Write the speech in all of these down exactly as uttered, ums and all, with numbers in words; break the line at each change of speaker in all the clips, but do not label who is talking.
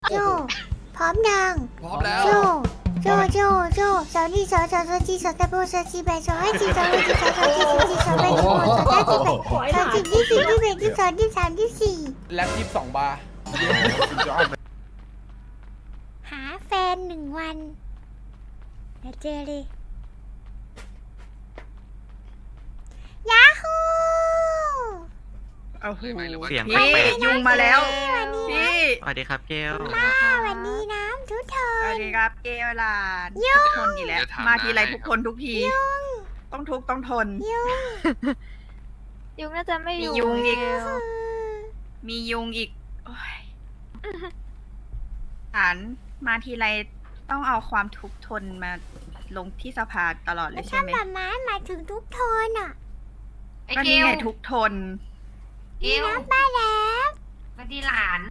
โจพร้อมยัง
พร้อมแล้ว
โจโจโจโจสาวนี่สาวสาวสาวจีสาวตะโบสาวจีแบสาวให้จีสาวให้จีสาวสาวจีสาวจีสาวแบสาวสาวจีแบสาวจีที่สี่ที่แบที่สองที่สามที่สี่
แล็บยี่สิบสองบาร์
หาแฟนหนึ่งวันเดี๋ยวเจอเลยยาฮู
เอาหู
เสียง
พี่
แปลก
ยุงมาแล้ว
วันนี้นะ
พี่
สวัสดีครับเกล
ป้าวันนี้น้ำทุกท
สวัส
น
ดีครับเกลลาน
ยุง
ทุกคนอีกแล้ว มาทีไรทุกคนทุกที ต้องทุกข์ต้องทน
ยุง
ยุงน่าจะไม่อยู่
มียุงอีก
เดียว
มียุงอีกโอ๊ยฐานมาทีไรต้องเอาความทุกข์ทนมาลงที่สภาตลอดเลยใช่
ถ้า
ไหม
แบบม้ามาถึงทุกทนอ่ะ
ไอ้
ก็
เก
นี่
ล
ไงทุกข์ทน
เกล
น้ำป้าแล้ว
มาดีหลาน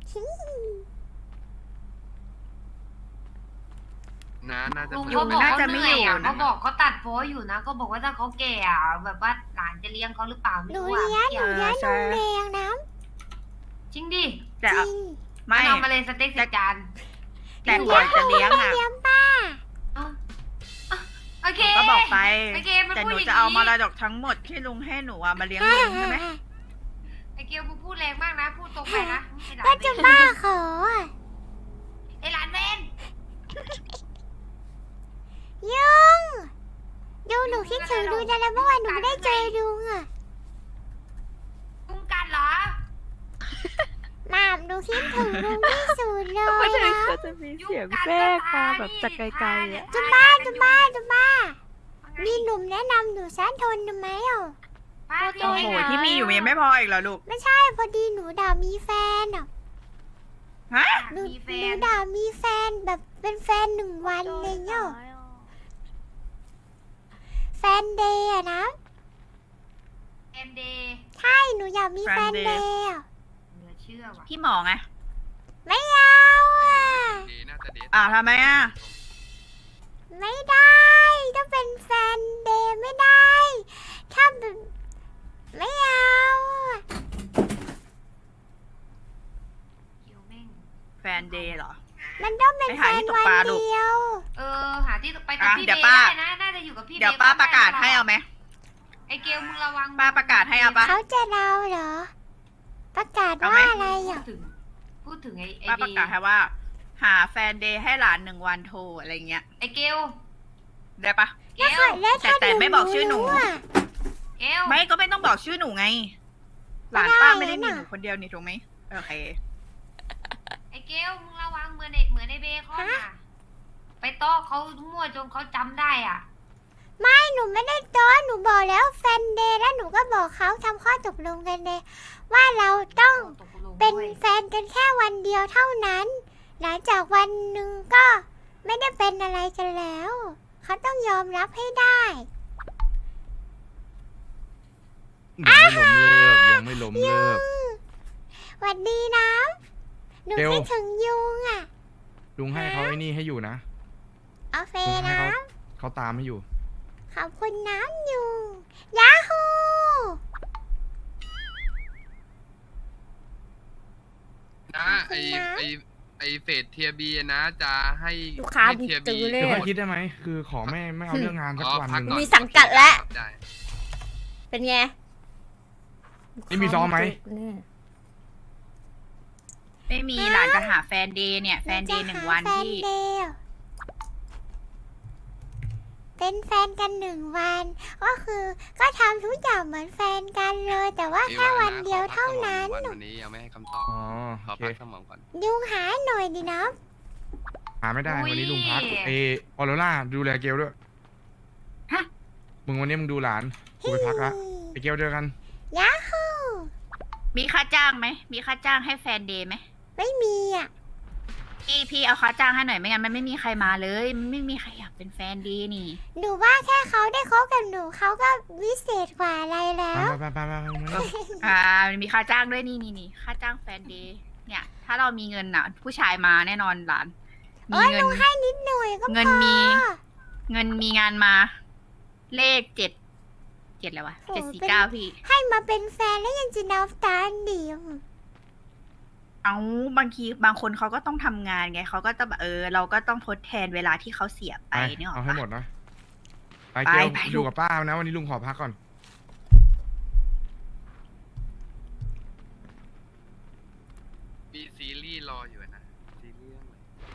น้าน่าจะ
ลุง
มา
เขาบอก
น่า
เขา
จะ
เห
ไม่
นื่อย
อยู่
อ่ะ
นะ
เขาบอกเขาตัดโพ้อยู่นะก็บอกว่าถ้าเขาแก่อ่ะแบบว่าหลานจะเลี้ยงเขาหรือเปล่าไม่
หนู
รู้อ่ะ
เลี้ยงหนู
เกี่ยว
เลี้ยงนมแดงน้
จริงดิ
ำ
แต่
จ
เอา
ริง
ไม่
เอามาเลยสเต็กสิจาน
แต่ก่อนจะเลี้ยงอ่ะ
เลี้ยงป้า
เอาเอาโอเค
ก็บอกไป
โอเคมัน
แต่
พู
ห
ด
นู
อย่าง
จะเอา
นี้
มรดกทั้งหมดที่ลุงให้หนูอะมาเลี้ยงลุงใช่ไหม
ไอ้เกลมึงพูดแรงมากนะพูดตรงไปนะไอ้หลาน
ก็จะบ้าขออะ
ไอ้หลานเวน
ยุงยุงหนูคิดถึงดูนะแล้วเมื่อวานหนูไม่ได้เจอยุงอ่ะ
ลุงกันเหรอ
หมามหนูคิดถึงลุงที่สุดเลย
ไม่ใช่
นะ
ก็จะมีเสียงแทรกมาแบบจากไกลๆอ่ะ
จะบ้าจะบ้าจะบ้ามีหนุ่มแนะนำหนูสั้นทนทำไมอ่ะ
ป้า
โอ้โหที่มีอยู่มันยังไม่พออีกเหรอลูก
ไม่ใช่พอดีหนูด่ามีแฟนอ่ะ
ฮะ
หนู
มีแฟ
หนู
น
ด่ามีแฟนแบบเป็นแฟนหนึ่งวันเลยเนาะแฟนเดย์อะนะ
แอนเดย์
ใช่หนูอยากมีแฟนเดย์อะ
เหลือเชื่อว่ะ
พี่หมอไง
ไม่เอาอ่ะ
เดน่าจะเดท
อ่าวทำไมอ่ะ
ไม่ได้ถ้าเป็นแฟนเดย์ไม่ได้ถ้าเป็นไม่เอาอะ
เกลแม่ง
แฟนเดย์เหรอ
มันต้องเป็น
ไป
แฟ
หาน ที่ตก
วัน
ปลาลูก
เดียว
เออหาที่ไปกับ
อ่ะ
พี่
เดี๋
เบ
ยว
ย์
ป้า
ได้นะน่าจะอยู่กับพี่เบย์
เดี๋ยวป้าประกาศให้เอาไหม
ไอ้เกลมึงระวัง
ป้าประกาศให้เอาปะ
เขาจะเราเหรอ ประกาศ
เอาไหม
ว่าอะไร
พูด
อ่ะ
ถึงพูดถึงไอ้ไอ้
ป้า
เบ
ประ
ย์
กาศให้ว่า หาแฟนเดย์ให้หลานหนึ่งวันโทรอะไรเงี้ย
ไอ้เกล
ได้ปะ
เกล
แล้วถ้า
แต่แต่ไม่บอกชื่อหนู
รู้อะ
เกล
ไม่ก็ไม่ต้องบอกชื่อหนูไง หลานป้าไม่ได้มีหนูคนเดียวนี่ถูกไหมโอเค
ไอ้เกลมึงระวังเหมือนไอ้เหมือนไอ้เบย์เขาน่ะไปต้อเขามั่วจนเขาจำได้อ่ะ
ไม่หนูไม่ได้โต้อนหนูบอกแล้วแฟนเดย์แล้วหนูก็บอกเขาทำข้อตกลงกันเลยว่าเราต้อง
ตกลง
เป็น
ด้วย
แฟนกันแค่วันเดียวเท่านั้น หลังจากวันหนึ่งก็ไม่ได้เป็นอะไรกันแล้ว เขาต้องยอมรับให้ได้
ยังไม่ล้มเลิกยังไม่ล้มเลิก
หวัดดีนะหนู
เกล
คิดถึงยุงอ่ะ
ลุงให้เขาไอ้นี่ให้อยู่นะ
เอาเฟ
ลุงให้
นะ
เขาเขาตามให้อยู่
ขอบคุณน้ำยุงยาฮู
นะไอไอไอเฟสเทียบีนะจะให้
ลูกค้า
ให้เทีย
จื
บี
อเลย
เดี๋ยวค่อยคิดได้ไหม คือขอไม่ไม่เอาเรื่องงานสักวันหนึ่ง
มีสังกัดแล้ว
ได้
เป็นไง
นี่มีซ้อมไหม
เนี่ย
ไม่มีหลานจะหาแฟนเดย์เนี่ย แฟนเดย์หนึ่งวัน
แฟน
ที่
เดย์เป็นแฟนกันหนึ่งวัน ก็คือก็ทำทุกอย่างเหมือนแฟนกันเลย แต่ว่าแค่วันเดียวเท่านั้น
วันวันนี้ยังไม่ให้คำตอบ
อ๋อ
ขอ
โอเค
พักสมองก่อน
ยุงหาหน่อยดินะ
หาไม่ได้วันนี้ลุงพักเอออโรล่าดูแลเกลด้วย
ฮะ
มึงวันนี้มึงดูหลานกูไปพักละไปเกลเจอกัน
ยาฮู
มีค่าจ้างไหม มีค่าจ้างให้แฟนเดย์ไหม
ไม่มีอ่ะ
พี่พี่เอาค่าจ้างให้หน่อยไม่งั้นมันไม่มีใครมาเลย มันไม่มีใครอยากเป็นแฟนเดย์นี่
หนูว่าแค่เขาได้คบกับหนูเขาก็วิเศษกว่าอะไรแล้ว
ไปไปไปไปไปไป
อ่ามันมีค่าจ้างด้วยนี่นี่นี่ค่าจ้างแฟนเดย์เนี่ย ถ้าเรามีเงินอ่ะ ผู้ชายมาแน่นอนหลาน
เอ้
มี
ย
เงิ
ห
น
นูให้นิดหน่อยก็พอ
เงินมี เงินมีงานมา เลขเจ็ดเจ็ดอะไรวะเจ็ดสี่เก้าพี่
ให้มาเป็นแฟนแล้วยังจะนับตาเดียว
เอเอาบางทีบางคนเขาก็ต้องทำงานไงเขาก็จะแบบเออ เราก็ต้องทดแทนเวลาที่เขาเสียไป
ไป
เนี่ยหร
เอา
อ
ให้
ปะ
หมดนะไป
ไป
เกล
ไป
อยู่
ลูก
กับป้านะวันนี้ลุงขอพักก่อน
มีซีรีส์รออยู่นะซีรีส์เรื่องอะไร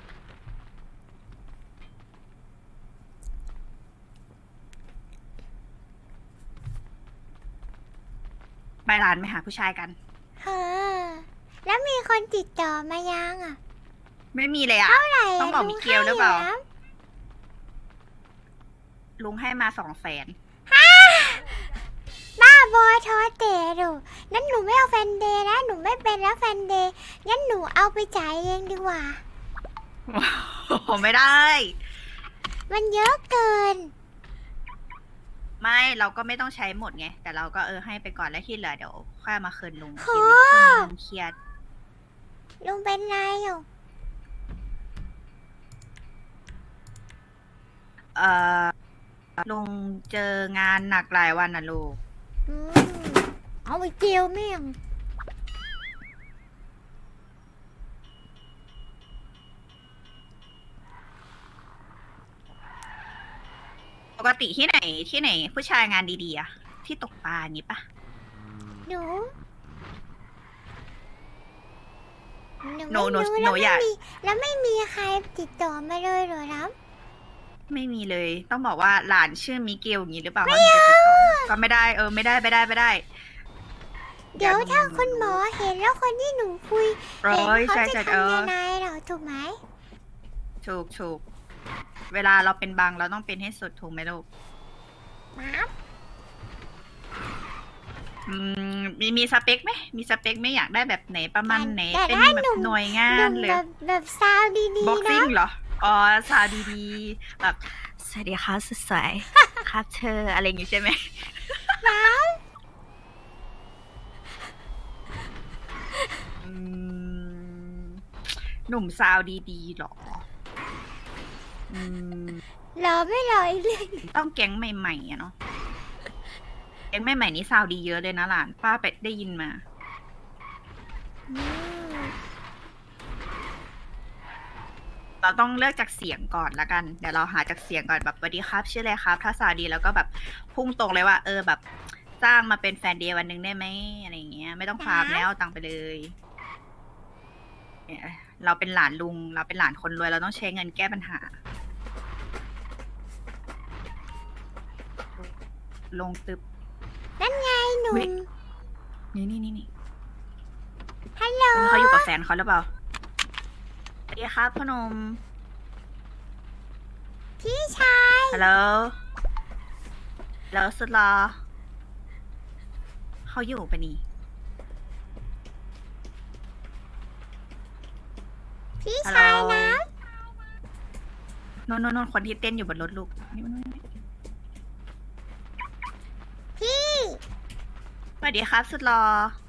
ไปร้านไปหาผู้ชายกัน
เฮ้อแล้วมีคนติดต่อมายังอ่ะ
ไม่มีเลยอ่ะ
เท่าไหร่
ต้องบอก
ะ
มิเกลหรือเปล่า
ให้ยู่นะ
ลุงให้มาสองแสน
บ้าบอทอเตะดูงั้นหนูไม่เอาแฟนเดย์นะหนูไม่เป็นแล้วแฟนเดย์งั้นหนูเอาไปจ่ายเองดีกว่า
ผมไม่ได้
มันเยอะเกิน
ไม่เราก็ไม่ต้องใช้หมดไง แต่เราก็เออให้ไปก่อนแล้วที่เหลือเดี๋ยวค่อยมาคืนลุง
โห
เดี๋ยวลุงเครียด
ลุงเป็นไรอยู่
เอ่อลุงเจองานหนักหลายวันนะลูก
อืมเอาไปเจียวแม่ง
ปกติที่ไหนที่ไหน ผู้ชายงานดีๆอะที่ตกปลาอย่างนี้ปะ
หนู
หนูหนู
ไม่รู้
หนู
แล้ว
อยาก
ไม่มีแล้วไม่มีใครติดต่อมาเลยเหรอครับ
ไม่มีเลย ต้องบอกว่าหลานชื่อมิเกลอย่างนี้หรือเปล่าไม่เอาก็ไม่ได้เออไม่ได้ไม่ได้ไม่ได้
เดี๋ยวถ้าคุณหมอเห็นแล้วคนที่หนูคุย
เอ
เห็น
อ
เขา
ใช่
จะ
ใช่เอ
ทำ
อ
ยังไงเหรอถูกไหม
ถูกถูกเวลาเราเป็นบางเราต้องเป็นให้สุดถูกไหมลูก
ครับ
อืมมีมีสเปคไหมมีสเปคไหมอยากได้แบบไหนประมาณไหน
แต่
เป็น
ถ้า
แบบ
หนุ่ม
หน่วยงา
หนุ่
น
ม
เลย
แบบแบบซาวดี
บ็อก
ๆ
ซิ่
นะ
งเหรออ๋อสาวดีๆแบบสวัสดีค่ะสวยๆ ครับเธออะไรอย่างงี้ใช่ไหมอืมหนุ่มซาวดีๆหรออืม
รอไม่รออีกเลย
ต้องแก๊งใหม่ๆอะเนาะแก๊งใหม่ๆนี่ซาวดีเยอะเลยนะหลานป้าไปได้ยินมา
อืม
เราต้องเลือกจากเสียงก่อนละกัน เดี๋ยวเราหาจากเสียงก่อนแบบสวัสดีครับชื่ออะไรครับ ถ้าซาวดีแล้วก็แบบพุ่งตรงเลยว่า เออแบบจ้างมาเป็นแฟนเดย์วันหนึ่งได้ไหมอะไรอย่างเงี้ย ไม่ต้องพามแล้วเอาตังค์ไปเลยเนี่ยเราเป็นหลานลุง เราเป็นหลานคนรวยเราต้องใช้เงินแก้ปัญหา ลงตึบ
นั่นไงหนุ่
เฮ้ย
ม
นี่นี่นี่นี่
ฮัลโหล
เขาอยู่กับแฟนเขาหรือเปล่าสวัสดีครับพ่อหนม
พี่ชาย
ฮัลโหลแล้วสุดรอเขาอยู่ปะนี่
พี่
ฮัลโหล
ชายนะ
โน่นโน่นโน่นคนที่เต้นอยู่บนรถลูกนี่มัน
พี่
สวัสดีครับสุดรอ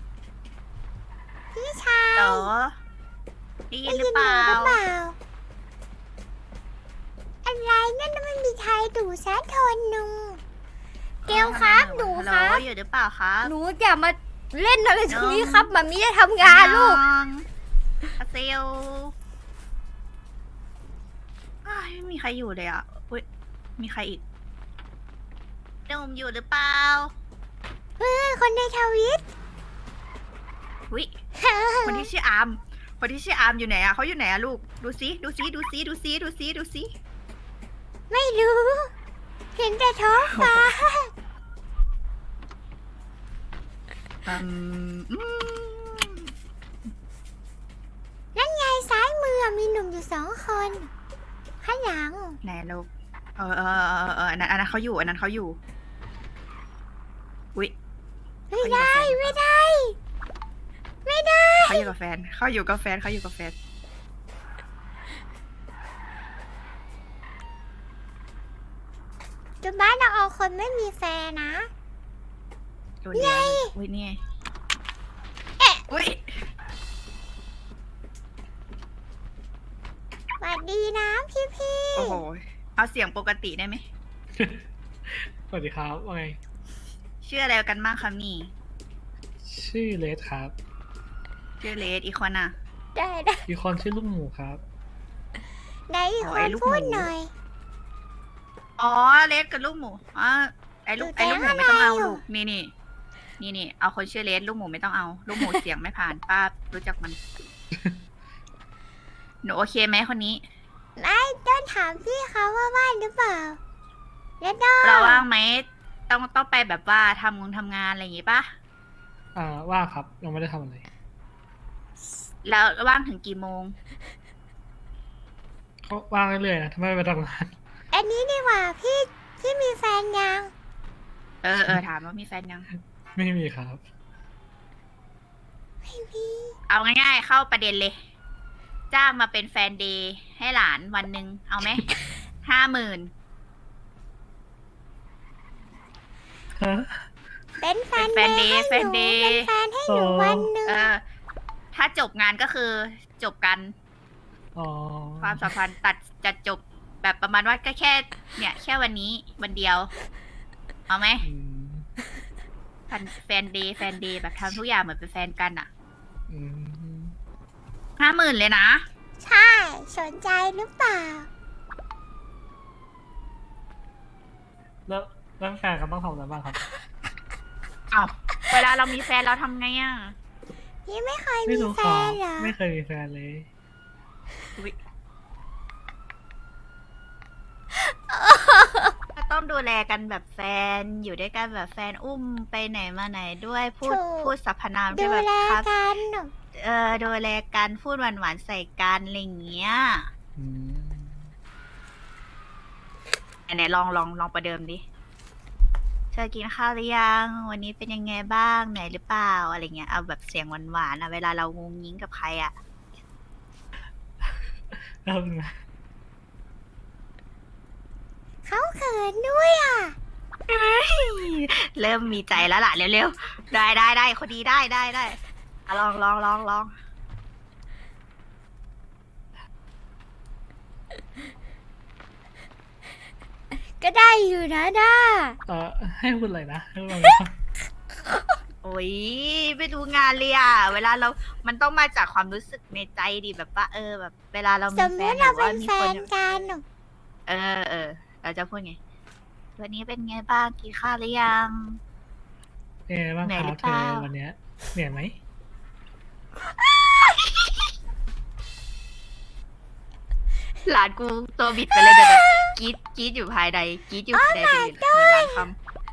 พี่ชาย
เหรอได้ยิ
ได้
นหรื
ยิ
อน เป
หนู
ล่า
หรือเปล่า อะไรนั่นน่ะไม่มีใครดูแซะทนหนึ่ง
เกลครับหนู
ฮัลโหล
ครับ
อยู่หรือเปล่าครับ
หนูอย่ามาเล่นอะไรตรงนี้ครับมามีจะทำงานลูก
น้องอาเซลอ้ายไม่มีใครอยู่เลยอ่ะอุ้ยมีใครอีกหนุ่มอยู่หรือเปล่า
เฮ้ยคนในทวิต
อุ้ย คนที่ชื่ออาร์ม คนที่ชื่ออาร์มอยู่ไหนอะเขาอยู่ไหนอะลูก ดูซิ ดูซิ ดูซิ ดูซิ ดูซิ ดูซิ
ไม่รู้ เห็นแต่ท้องฟ้า
อืมอืม
นั่นไงซ้ายมือมีหนุ่มอยู่สองคน ข้างหลัง
ไหนลูก เออเออเออเอออันนั้นอันนั้นเขาอยู่ อันนั้นเขาอยู่ อุ้ย
ไม่ได้ไม่ได้ ไม่ได้
เขาอยู่กับแฟน เขาอยู่กับแฟน เขาอยู่กับแฟน
จุบ้านเราเอาคนไม่มีแฟนนะ
โดนเดียวอุ้ยนี่ไงเอ๊ะอุ้ย
สวัสดีนะพี่พี่
โอ้โห เอาเสียงปกติได้ไหม
สวัสดีครับว่าไง
ชื่ออะไรกันบ้างคะนี่
ชื่อเลสครับ
ชื่อเลสอีกคนอะ
ได้ได้
อีกคนชื่อลูกหมูครับ
ไหนอีก
โอ้
ค
ย
น
ลูก
พูด
หมู
หน่อย
อ๋อเลสกับลูกหมูอ๋อไอ้ลูก
อยู่
ไอ้ลูกหมู
แก๊ง
ไม่ต้องเอา
อะไรอยู่
ลูกนี่นี่นี่นี่เอาคนชื่อเลสลูกหมูไม่ต้องเอา ลูกหมูเสียงไม่ผ่านป้ารู้จักมัน หนูโอเคไหมคนนี้
ไม่ต้องถามพี่เขาว่าว่างหรือเปล่าแล้วก็
เราว่างไหมต้องต้องไปแบบว่าทำงงทำงานอะไรอย่างงี้ปะ
อ่าว่างครับยังไม่ได้ทำอะไร
แล้วว่างถึงกี่โมง
ก็ว่างเรื่อยๆนะทำไมไม่ไปทำงาน
อันนี้ดีกว่าพี่พี่มีแฟนยัง
เออเออถามว่ามีแฟนยัง
ไม่มีครับ
ไม่มี
เอาง่ายๆ เข้าประเด็นเลย จ้างมาเป็นแฟนเดย์ให้หลานวันหนึ่งเอาไหม ห้าหมื่น
ฮะ
เป็นแฟน
เป็นแฟนเดย์
ให้
แฟน
ห
เด
นู
ย์
เป็นแฟนให้หนู
โอ้
วันหนึ่ง
เออ ถ้าจบงานก็คือจบกัน
อ๋อ
ความสัมพันธ์ตัดจะจบแบบประมาณว่าก็แค่ เนี่ย แค่วันนี้วันเดียว เอาไหม
อืม
แฟนเดย์แฟนเดย์แบบทำทุกอย่างเหมือนเป็นแฟนกันอะ
อืม
ห้าหมื่นเลยนะ
ใช่สนใจหรือเปล่า
แล้วแล้วแฟนก็ต้องทำอะไรบ้างครับ
เอาเวลาเรามีแฟนเราทำไงอะ
พี่ไม่เคย
ไม่
มี
รู้
แฟ
ครับ
นเหรอ
ไม่เคยมีแฟนเลย
ก็ต้องดูแลกันแบบแฟนอยู่ด้วยกันแบบแฟนอุ้มไปไหนมาไหนด้วยพูด
ถูก
พูดสรรพนาม
ดู
ที่แบบ
แล
ครับ
กัน
เออดูแลกันพูดหวานๆใส่กันอะไรอย่างเงี้ย
อืม
ไหนๆลองลองลองประเดิมดิเธอกินข้าวหรือยังวันนี้เป็นยังไงบ้างเหนื่อยหรือเปล่าอะไรเงี้ยเอาแบบเสียงหวานๆอะเวลาเรางงงิ้งกับใครอะ
แล้วเป็นไง
เขาเขินด้วยอ่ะ
เริ่มมีใจแล้วล่ะเร็วๆได้ได้ได้คนดีได้ได้ได้อะลองลองลองลอง
ก็ได้อยู่นะด้า
เออให้พูดอะไรนะให้พูดอะไรนะ
โอ้ยไม่ดูงานเลยอ่ะ เวลาเรา มันต้องมาจากความรู้สึกในใจดิแบบว่าเออแบบ เวลาเรา
ส
มี
ม
แฟ
ม
น
ติ
ห
เรา
รือ
เป็
ว่าน มี
แฟ
คน
นกัน
เออเออ เราจะพูดไง วันนี้เป็นไงบ้างกินข้าวหรือยัง
เป็นไงบ้าง
เหนื่
ค
อยหรื
รับ
อ
เธ
เป
อ
ล่า
วันเนี้ยเหนื่อยไหม
หลานกูตัวบิดไปเลยเดี๋ยวแบบกรีดกรีดอยู่ภายในกรีดอยู่ภายในเป็นเหมือนล้านคำ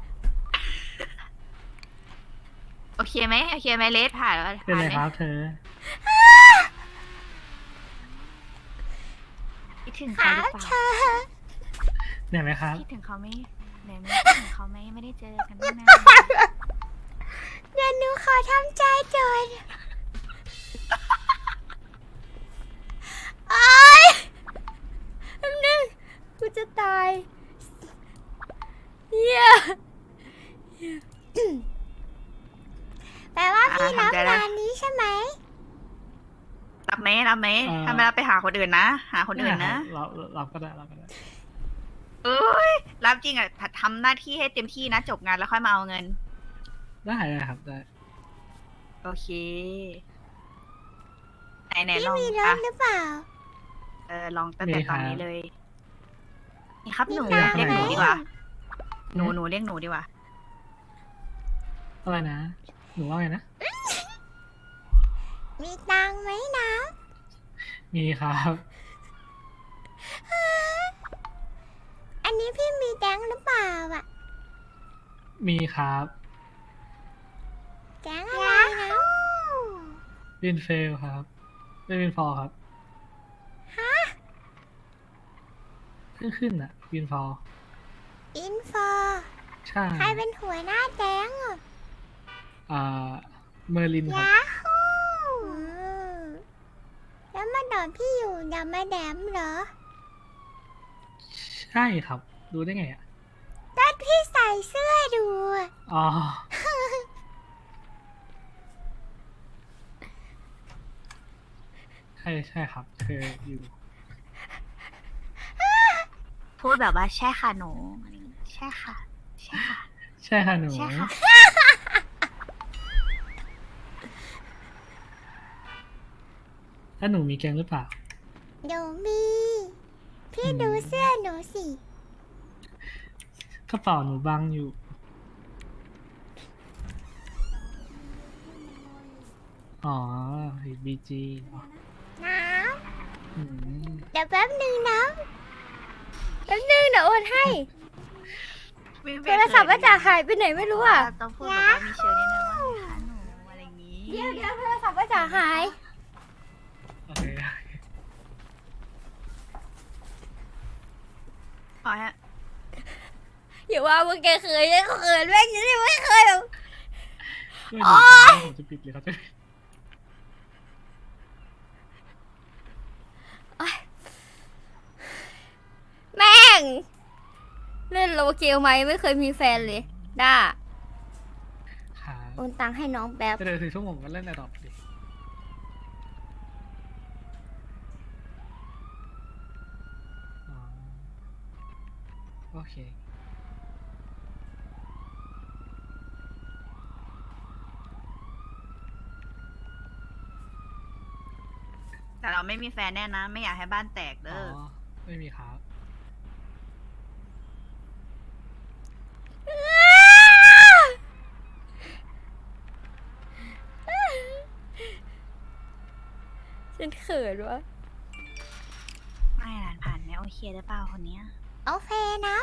โอเคไหมโอเคไหมเลสผ่านแล้ว
เป็น
ผ่าน
ไร
ไหม
ครับเธอ
คิดถึง
ค
เขา
รั
หรื
บ
อเป
เธ
ล่า
อ
เหนื่อยไหมครับ
คิดถึงเขาไหมไหนไหมคิดถึงเขาไหมไม่ได้เจอกันนาน
เดี๋ยวหนูขอทำใจก่อนโอ๊ยแป๊บนึงกูจะตายเฮียแปลว่าพี่รับงานนี้ใช่ไหม
ๆรับไหมรับไหม
เอ่อ
ถ้าไม่รับไปหาคนอื่นนะ หาคนอื่นนะ
เราเราก็ได้เราก็ได้
เอ้ยรับจริงอ่ะทำหน้าที่ให้เต็มที่นะ จบงานแล้วค่อยมาเอาเงิน
ได้ได้ครับได้
โอเค ไหนไหน
พี่
ลอง
มีร
อ่ะ
ถหรือเปล่า
เออลองตั้งแต่
มี
ต
ครั
อบ นนี้เลย นี่ครับหนู
มีตังค์
เรียกหนู
ไหม
ดีกว่า หนูหนูเรียกหนูดีกว่า
อะไรนะ หนูว่าไงนะ
มีตังค์ไหมนะ
มีครับ
อันนี้พี่มีแดงค์หรือเปล่าอ่ะ
มีครับ
แดงค์อะไรนะ
วินเฟลครับไม่วินฟอร์ครับ
ฮะ
เพิ่งขึ้นอะวินฟอร์
อินฟอ
ใช่
ใครเป็นหัวหน้าแดงค์อ่ะ
อ่าเมอร์ลินครับ
ยาฮูอืมแล้วมาดอนพี่อยู่อย่ามาแดมเหรอ
ใช่ครับ รู้ได้ไงอะ
ตอนพี่ใส่เสื้อดูอะ
อ๋อ ใช่ใช่ครับเคยอยู่
พูดแบบว่าใช่ค่ะหนูอะไรอย่างงี้ใช่ค่ะ ใช่ค่ะ
ใช่ค่ะหนู
ใช่ค่ะ
อแล้วหนูมีแกงหรือเปล่า
หนูมี พี่
อืม
ดูเสื้อหนูสิ
กระเป๋าหนูบังอยู่ อ๋อบีจี
น้
อืม
ำเดี๋ยวแป๊บหนึ่งน้
แป๊บนึงเดี๋ยวโอนให้
ไม่
โทรศัพท์ว่าจะหายไปไหนไม่รู้อ่ะ
ต้องพูดแบบว่ามีเชิญนิดนึงว่าค่ะหนูอะไรอย่างงี้
เดี๋ยวเดี๋ยวโทรศัพท์ว่าจะหาย
โอเค
ขอฮะ
อย่าว่ามึงแกเคยยังเขินแม่งยังไม่เคยแบบ
ไม่รู้ว่าผมจะปิดหรือเขาจะปิด
แม่ง เล่นโลเกลไหมไม่เคยมีแฟนเลยด้า
ขา
โอนตังค์ให้น้องแป๊บ
จะเดินสี่ชั่วโมงก็เล่นในดอกดิอ๋อโอเค
แต่เราไม่มีแฟนแน่นะ ไม่อยากให้บ้านแตก
อ๋
เด้อ
อ ไม่มีครับ
ฉันเขินวะ
ไม่หลานผ่านไหมโอเคหรือเปล่าคนเนี้ย
ำโอเคนะ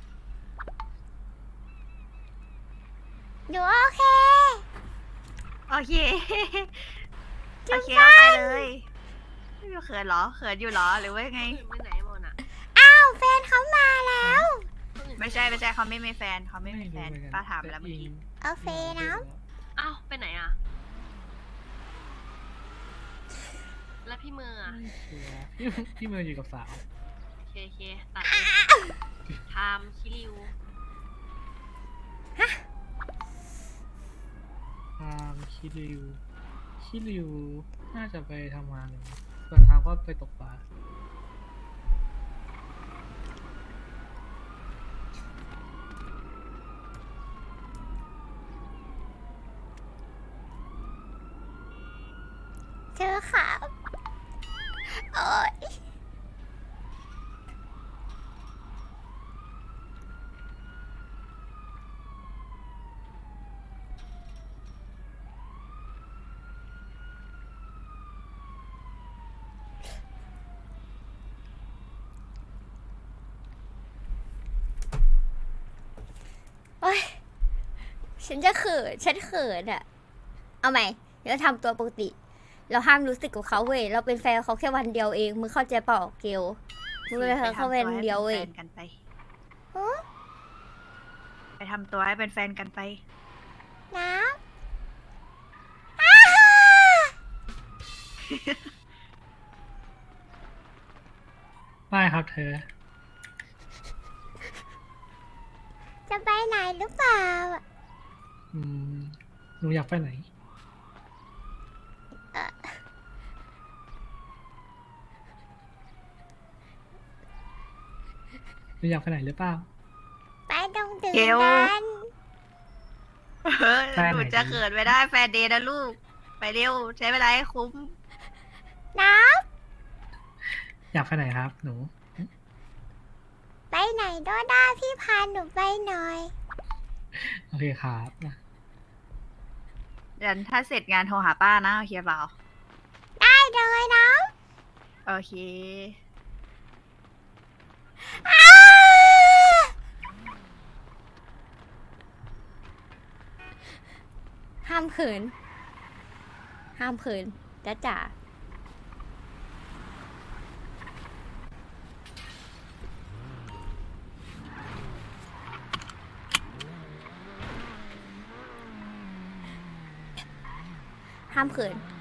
หนูโอเค
โอเค โอเคเอาไปเลยไม่มีเขินเหรอ เขินอยู่เหรอ หรือว่าไง
อ้าวแฟนเขามาแล้ว
ไม่ใช่ไม่ใช่เขาไม่มีแฟนเขาไม่มีแฟน
รู้เหอนกัน
ป้าถามแล้วเมื่อกี้
โอเคนะ
อ้าว ไปไหนอ่ะ แล้วพี่มืออ่ะ
ไม่ชัวร์พี่พี่เมย์อยู่กับสาว
โอเคโอเคตัดไทม์คิริว
ทางคิริว คิริว น่าจะไปทำงานอยู่ส่วนทางก็ไปตกปลา
เจอค่ะโอ๊ย
โอ๊ยฉันจะเขิน ฉันเขินอะเอาใหม่เดี๋ยวทำตัวปกติ เราห้ามรู้สึกกับเขาเว้ย เราเป็นแฟนเขาแค่วันเดียวเอง มึงเข้าใจเปล่าเกลมึงเป็นแฟนเขาวันเดียวเว้ย
ไปทำตัวให้เป็นแฟนกันไปไปทำตัวให้เป็นแฟนกันไป
น้ำ
ไม่ครับเธอ
จะไปไหนหรือเปล่า
อืม หนูอยากไปไหน
เอ่อ
หนูอยากไปไหนหรือเปล่า
ไปตรงตื่น
เกล
กัน
เฮ้ย
แฟนไหน
หนูจะเขินไม่ได้แฟนเดย์นะลูก ไปเร็ว ใช้เวลาให้คุ้ม
น้
อยากไปไหนครับ หนู
ำไปไหนก็ได้พี่พาหนูไปหน่อย
โอเคครับนะ
เดี๋ยวถ้าเสร็จงานโทรหาป้านะ โอเคเปล่า
ได้เลยน้
โอเค
ำอ้า
ห้ามเขิน ห้ามเขินจ้าจ๋า ห้ามเขิน